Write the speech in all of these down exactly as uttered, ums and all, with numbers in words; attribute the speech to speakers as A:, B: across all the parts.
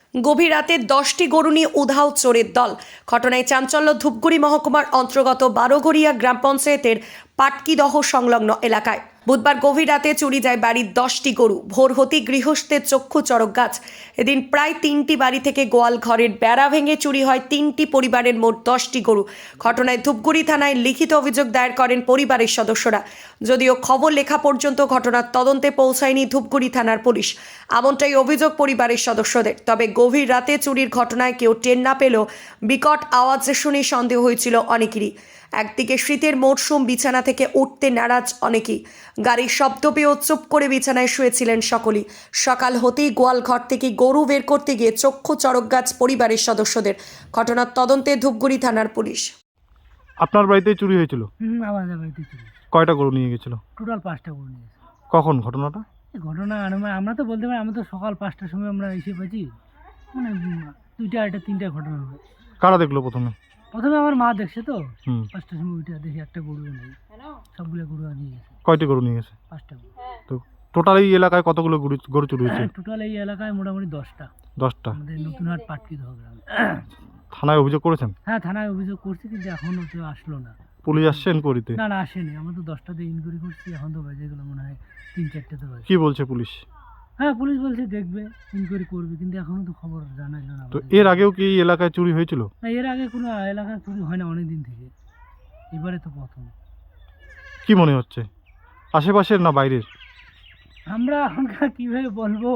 A: গভীর রাতে দশটি গরু নিয়ে উধাও চোরের দল। ঘটনায় চাঞ্চল্য ধূপগুড়ি মহকুমার অন্তর্গত বারোঘরিয়া গ্রাম পঞ্চায়েতের পাটকিদহ সংলগ্ন এলাকায়। বুধবার গভীর রাতে চুরি যায় বাড়ির দশটি গরু। ভোর হতেই গৃহস্থের চক্ষু চড়ক গাছ। এদিন প্রায় তিনটি বাড়ি থেকে গোয়াল ঘরের বেড়া ভেঙে চুরি হয় তিনটি পরিবারের মোট দশটি গরু। ঘটনায় ধূপগুড়ি থানায় লিখিত অভিযোগ দায়ের করেন পরিবারের সদস্যরা। যদিও খবর লেখা পর্যন্ত ঘটনার তদন্তে পৌঁছায়নি ধূপগুড়ি থানার পুলিশ, এমনটাই অভিযোগ পরিবারের সদস্যদের। তবে গভীর রাতে চুরির ঘটনায় কেউ টের না পেলেও বিকট আওয়াজ শুনে সন্দেহ হয়েছিল অনেকেরই। একদিকে শীতের মরশুম, বিছানা থেকে উঠতে নারাজ অনেকেই। গাড়ির শব্দ পেয়েও চুপ করে বিছানায় শুয়েছিলেন সকলেই। সকাল হতেই গোয়াল ঘর থেকে গরু বের করতে গিয়ে চক্ষু চড়ক গাছ পরিবারের সদস্যদের। ঘটনার তদন্তে ধূপগুড়ি থানার পুলিশ।
B: আপনার বাড়িতে চুরি হয়েছিল?
C: হুম, আমাদের বাড়িতে চুরি।
B: কয়টা গরু নিয়ে গেছিল?
C: টোটাল পাঁচটা গরু নিয়েছে।
B: কখন ঘটনাটা?
C: এই ঘটনা আমরা আমরা তো বলতে পারি, আমরা তো সকাল পাঁচটার সময় আমরা এসে পেয়েছি, মানে উম, দুইটা আড়াইটা তিনটা ঘটনা হবে।
B: কারা দেখলো প্রথমে?
C: প্রথমে আমার মা দেখছে তো,
B: হুম।
C: পাঁচটার সময় উঠে দেখি একটা গরু নেই, সবগুলো গরু নিয়ে গেছে।
B: কয়টি গরু নিয়ে গেছে?
C: পাঁচটা গরু।
B: তো টোটাল এই এলাকায় কতগুলো গরু গরু চুরি হয়েছে?
C: টোটাল এই এলাকায় মোটামুটি দশটা।
B: দশটা।
C: আমাদের নতুন হাট পাটকিদহ গ্রামে।
B: থানায় অভিযোগ করেছেন?
C: হ্যাঁ, থানায় অভিযোগ করছি, কিন্তু এখনও কেউ আসলো না।
B: পুলিশ আসছে এনকোয়ারিতে?
C: না না, আসেনি। আমরা তো দশটাতে ইনকোয়ারি করছি, এখন তো বাজে গেলো মনে হয় তিন চারটে তো বাজে।
B: কি বলছে পুলিশ?
C: হ্যাঁ, পুলিশ বলছে দেখবে, ইনকোয়ারি করবে, কিন্তু এখনো তো খবর জানাইলো না
B: তো
C: আমাদের।
B: এর আগেও কি এই এলাকায় চুরি হয়েছিল?
C: না, এর আগে কোনো এলাকায় চুরি হয় না অনেক দিন থেকে, এবারে তো প্রথম।
B: কি মনে হচ্ছে, আশেপাশের না বাইরের?
C: আমরা এখনকার কীভাবে বলবো,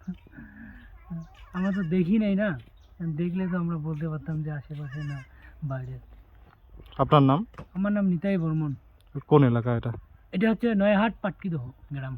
C: আমরা তো দেখি নাই না, দেখলে তো আমরা বলতে পারতাম যে আশেপাশে না বাইরে।
B: আপনার নাম?
C: আমার নাম নিতাই বর্মন।
B: কোন এলাকা এটা?
C: এটা হচ্ছে নয়াহাট পাটকিদহ গ্রাম।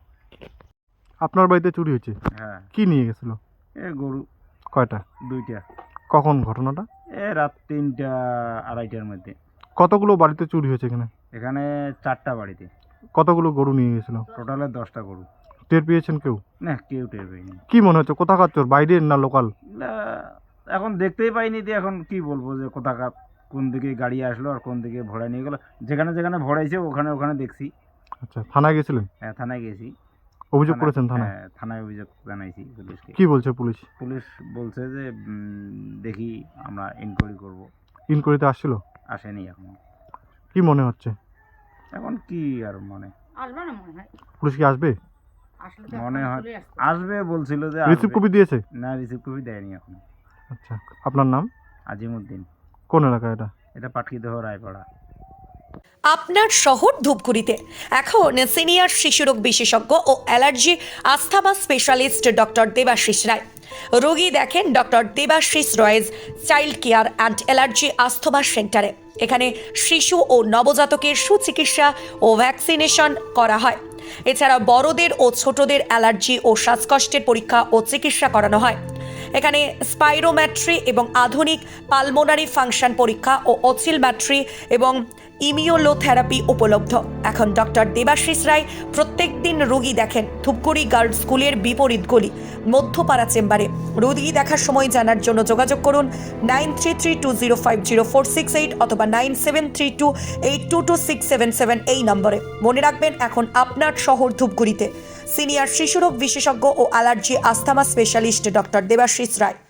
B: আপনার বাড়িতে চুরি হয়েছে?
D: হ্যাঁ,
B: কি নিয়ে গেছিল?
D: এ গরু
B: কয়টা?
D: দুইটা।
B: কখন ঘটনাটা?
D: এ রাত তিনটা আড়াইটার মধ্যে।
B: কতগুলো বাড়িতে চুরি হয়েছে এখানে?
D: এখানে চারটা বাড়িতে
B: কতগুলো গরু নিয়ে গেছিল?
D: টোটালে দশটা গরু।
B: টের পেয়েছেন কেউ?
D: না, কেউ টের পাইনি।
B: কি মনে হচ্ছে, কোথাকার চোর, বাইরের না লোকাল?
D: না, এখন দেখতেই পাইনি, দিয়ে এখন কি বলবো যে কোথাকার, কোন দিকে গাড়ি আসলো আর কোন দিকে ভরা নিয়ে গেলো। যেখানে যেখানে ভরাইছে ওখানে ওখানে দেখছি।
B: আচ্ছা, থানায় গেছিলেন?
D: হ্যাঁ, থানায় গেছি।
B: অভিযোগ
D: থানায়-
B: করেছেন থানায়?
D: হ্যাঁ, থানায় অভিযোগ জানাইছি পুলিশকে।
B: কি বলছে পুলিশ?
D: পুলিশ বলছে যে উম, দেখি আমরা ইনকোয়ারি করব।
B: ইনকোয়ারিতে আসছিল?
D: আসেনি এখনো।
B: কি মনে হচ্ছে
D: এখন কি আর মানে
E: আসবে না মনে হয়,
B: পুলিশ কি আসবে?
E: আসলে তো
D: মনে
E: এখন
D: হয়
E: চলে আসতো।
D: আসবে, বলছিল যে
B: রিসিভ
D: আসবে।
B: কপি দিয়েছে?
D: না, রিসিভ কপি দেয়নি এখন।
B: আচ্ছা, আপনার নাম?
D: আজিমউদ্দিন।
B: কোন এলাকা এটা?
D: এটা পাটকিদহ রায়পাড়া।
A: আপনার শহর ধূপগুড়িতে এখন সিনিয়র শিশুরোগ বিশেষজ্ঞ ও allergy asthma specialist doctor Debashis Roy. রোগী দেখেন doctor Debashis Roy's child care and allergy asthma সেন্টারে। এখানে শিশু ও নবজাতকের সুচিকিৎসা ও ভ্যাকসিনেশন করা হয়। এছাড়া বড়দের ও ছোটদের অ্যালার্জি ও শ্বাসকষ্টের পরীক্ষা ও চিকিৎসা করানো হয়। এখানে স্পাইরোম্যাট্রি এবং আধুনিক পালমোনারি ফাংশন পরীক্ষা ও অসিলম্যাট্রি এবং ইমিউলোথেরাপি উপলব্ধ। এখন ডক্টর দেবাশিস রায় প্রত্যেক দিন রোগী দেখেন ধূপগুড়ি গার্লস স্কুলের বিপরীত গলি মধ্যপাড়া চেম্বারে। রোগী দেখার সময় জানার জন্য যোগাযোগ করুন nine three three two zero five zero four six eight অথবা nine seven three two eight two two six seven seven এই নম্বরে। মনে রাখবেন, এখন আপনার শহর ধূপগুড়িতে সিনিয়র শিশুরোগ বিশেষজ্ঞ ও allergy asthma specialist doctor Debashis রায়।